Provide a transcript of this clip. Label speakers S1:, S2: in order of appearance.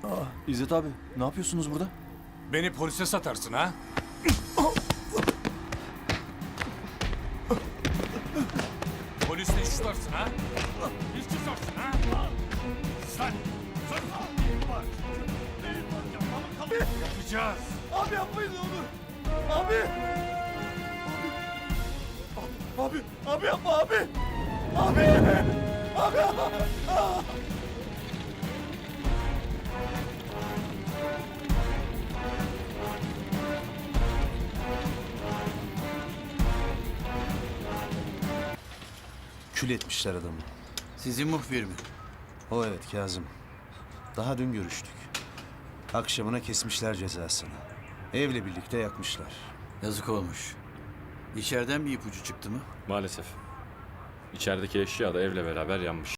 S1: İzzet abi, ne yapıyorsunuz burada?
S2: Beni polise satarsın ha? Polisle iş tutarsın ha? İş tutarsın ha? Sen! Yapacağız.
S1: Abi yapmayın ne olur. Abi. Abi yapma abi. Abi.
S3: Kül etmişler adamı.
S4: Sizin muhbir mi?
S3: O evet Kazım. Daha dün görüştük. Akşamına kesmişler cezasını. Evle birlikte yakmışlar.
S4: Yazık olmuş. İçeriden bir ipucu çıktı mı?
S5: Maalesef. İçerideki eşya da evle beraber yanmış.